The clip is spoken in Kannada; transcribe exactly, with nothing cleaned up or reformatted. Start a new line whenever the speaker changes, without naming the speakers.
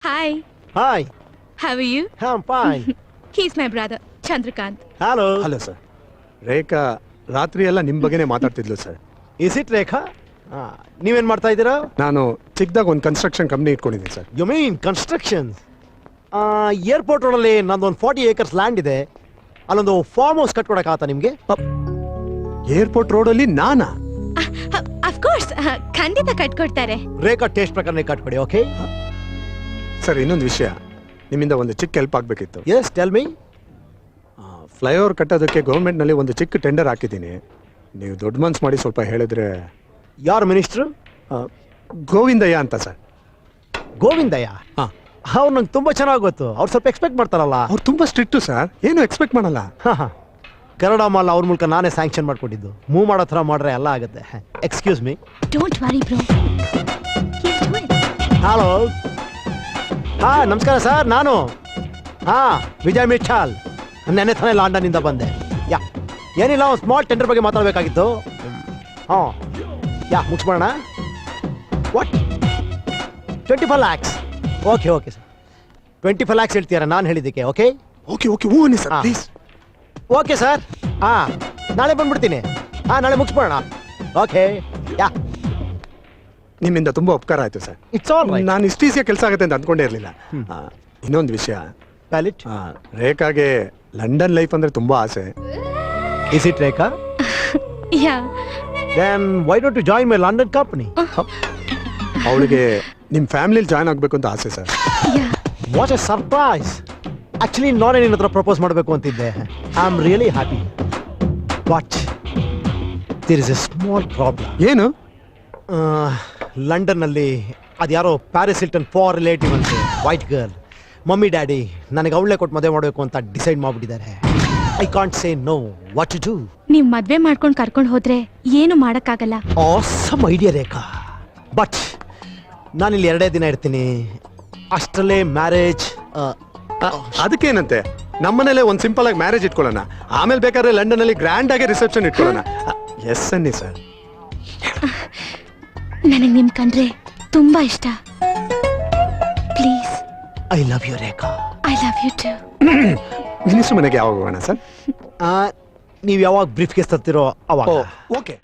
Hi.
Hi.
How are you?
I'm fine.
He's my brother, Chandrakant.
Hello.
Hello sir. Rekha ರಾತ್ರಿ ಎಲ್ಲ ನಿಮ್ಮ ಬಗ್ಗೆನೇ ಮಾತಾಡ್ತಿದ್ಲು sir.
Is it Rekha? Ah, ನೀವೇನ್ ಮಾಡ್ತಾ ಇದ್ದೀರಾ?
ನಾನು ಚಿಕ್ಕದಾಗ ಒಂದು ಕನ್ಸ್ಟ್ರಕ್ಷನ್ ಕಂಪ್ನಿ ಇಟ್ಕೊಂಡಿದ್ದೀನಿ ಸರ್.
You mean constructions? ಏರ್ಪೋರ್ಟ್ ರೋಡಲ್ಲಿ ನಂದೊಂದು ಫಾರ್ಟಿ ಏಕರ್ಸ್ ಲ್ಯಾಂಡ್ ಇದೆ. ಅಲ್ಲೊಂದು ಫಾರ್ಮ್ ಹೌಸ್ ಕಟ್ಕೊಡಕ್ಕಾಗತ್ತಾ ನಿಮಗೆ?
ಏರ್ಪೋರ್ಟ್ ರೋಡಲ್ಲಿ ನಾನಾ?
ಅಫ್ ಕೋರ್ಸ್ ಖಂಡಿತ ಕಟ್ಕೊಡ್ತಾರೆ.
ರೇಖಾ ಟೇಸ್ಟ್ ಪ್ರಕಾರನೇ ಕಟ್ಕೊಡಿ, ಓಕೆ?
ಸರ್ ಇನ್ನೊಂದು ವಿಷಯ, ನಿಮ್ಮಿಂದ ಒಂದು ಚಿಕ್ಕ ಹೆಲ್ಪ್ ಆಗಬೇಕಿತ್ತು.
S, tell me.
ಫ್ಲೈಓವರ್ ಕಟ್ಟೋದಕ್ಕೆ ಗೌರ್ಮೆಂಟ್ನಲ್ಲಿ ಒಂದು ಚಿಕ್ಕ ಟೆಂಡರ್ ಹಾಕಿದ್ದೀನಿ. ನೀವು ದೊಡ್ಡ ಮನ್ಸು ಮಾಡಿ ಸ್ವಲ್ಪ ಹೇಳಿದ್ರೆ.
ಯಾರು ಮಿನಿಸ್ಟ್ರು?
ಗೋವಿಂದಯ್ಯ ಅಂತ ಸರ್.
ಗೋವಿಂದಯ್ಯ?
ಹಾಂ,
ಅವ್ರು ನಂಗೆ ತುಂಬ ಚೆನ್ನಾಗಿ ಗೊತ್ತು. ಅವ್ರು ಸ್ವಲ್ಪ ಎಕ್ಸ್ಪೆಕ್ಟ್ ಮಾಡ್ತಾರಲ್ಲ.
ಅವ್ರು ತುಂಬ ಸ್ಟ್ರಿಕ್ಟು ಸರ್, ಏನು ಎಕ್ಸ್ಪೆಕ್ಟ್ ಮಾಡಲ್ಲ.
ಹಾಂ ಹಾಂ, ಕನ್ನಡ ಮಾಲ್ ಅವ್ರ ಮೂಲಕ ನಾನೇ ಸ್ಯಾಂಕ್ಷನ್ ಮಾಡ್ಕೊಟ್ಟಿದ್ದು. ಮೂವ್ ಮಾಡೋ ಥರ ಮಾಡ್ರೆ ಎಲ್ಲ ಆಗುತ್ತೆ. Excuse me.
Don't worry bro.
Hello. ಹಾಂ ನಮಸ್ಕಾರ ಸರ್, ನಾನು ಹಾಂ ವಿಜಯ್ ಮಿಠಾಲ್. ನೆನ್ನೆ ತಾನೇ ಲಂಡನ್ನಿಂದ ಬಂದೆ. ಯಾ ಏನಿಲ್ಲ, ಒಂದು ಸ್ಮಾಲ್ ಟೆಂಡರ್ ಬಗ್ಗೆ ಮಾತಾಡಬೇಕಾಗಿತ್ತು. ಹಾಂ ಯಾ ಮುಗಿಸ್ಬೋಣ. What? Twenty five lakhs? Okay okay sir, twenty five lakhs ಹೇಳ್ತೀರಾ ನಾನು ಹೇಳಿದ್ದಕ್ಕೆ? ಓಕೆ
ಓಕೆ ಓಕೆ ಹ್ಞೂ ಅನ್ನಿ ಸರ್ ಪ್ಲೀಸ್.
ಓಕೆ ಸರ್, ಹಾಂ ನಾಳೆ ಬಂದ್ಬಿಡ್ತೀನಿ. ಹಾಂ ನಾಳೆ ಮುಗಿಸ್ಬೋಣ. Okay yeah.
ನಿಮ್ಮಿಂದ ತುಂಬ ಉಪಕಾರ ಆಯಿತು ಸರ್.
It's all right.
ನಾನು ಇಷ್ಟು ಈಸಿಯಾಗಿ ಕೆಲಸ ಆಗುತ್ತೆ ಅಂತ ಅಂದ್ಕೊಂಡೇ ಇರಲಿಲ್ಲ. ಇನ್ನೊಂದು ವಿಷಯ,
ವ್ಯಾಲಿಡ್.
ರೇಖಾಗೆ ಲಂಡನ್ ಲೈಫ್ ಅಂದರೆ ತುಂಬ ಆಸೆ.
Is it Rekha?
Yeah.
Then why don't you join my London company?
ಅವಳಿಗೆ ನಿಮ್ಮ ಫ್ಯಾಮಿಲಿಲಿ ಜಾಯ್ನ್ ಆಗಬೇಕು ಅಂತ ಆಸೆ ಸರ್.
Yeah.
What a surprise. Actually ನಾನೇ ನಿನ್ನ ಹತ್ರ ಪ್ರಪೋಸ್ ಮಾಡಬೇಕು ಅಂತಿದ್ದೆ. I am really happy, but there is a small problem.
ಏನು?
ಲಂಡನ್ನಲ್ಲಿ ಅದ್ಯಾರೋ ಪ್ಯಾರಿಸ್ ಹಿಲ್ಟನ್ ಫಾರ್ ರಿಲೇಟಿವ್ ಅಂತೆ, ವೈಟ್ ಗರ್ಲ್. ಮಮ್ಮಿ ಡ್ಯಾಡಿ ನನಗೆ ಅವಳೇ ಕೊಟ್ಟು ಮದುವೆ ಮಾಡಬೇಕು ಅಂತ ಡಿಸೈಡ್ ಮಾಡಿಬಿಟ್ಟಿದ್ದಾರೆ. I can't say no. What to do?
ನೀವ್ ಮದ್ವೆ ಮಾಡ್ಕೊಂಡು ಕರ್ಕೊಂಡು ಹೋದ್ರೆ ಏನು ಮಾಡಕ್ಕಾಗಲ್ಲ.
ಆಸಮ್ ಐಡಿಯಾ ರೇಖಾ, ಬಟ್ ನಾನಿಲ್ಲಿ ಎರಡೇ ದಿನ ಇರ್ತೀನಿ. ಅಷ್ಟರಲ್ಲೇ ಮ್ಯಾರೇಜ್.
ಅದಕ್ಕೇನಂತೆ, ನಮ್ಮನೇಲೆ ಒಂದು ಸಿಂಪಲ್ ಆಗಿ ಮ್ಯಾರೇಜ್ ಇಟ್ಕೊಳ್ಳೋಣ, ಆಮೇಲೆ ಬೇಕಾದ್ರೆ ಲಂಡನ್ ಅಲ್ಲಿ ಗ್ರ್ಯಾಂಡ್ ಆಗಿ ರಿಸೆಪ್ಷನ್ ಇಟ್ಕೊಳ್ಳೋಣ. ಎಸ್ ಅನ್ನಿ ಸರ್.
ನನಗೆ ನಿಮ್ ಕಂಡ್ರೆ ತುಂಬಾ ಇಷ್ಟ. Please.
I love you Rekha.
I love you too.
Minister ಮನೆಗೆ ಯಾವಾಗ ಹೋಗೋಣ ಸರ್?
ನೀವು ಯಾವಾಗ ಬ್ರೀಫ್ ಕೇಸ್ ತರ್ತಿರೋ ಅವಾಗ.
ಓಕೆ.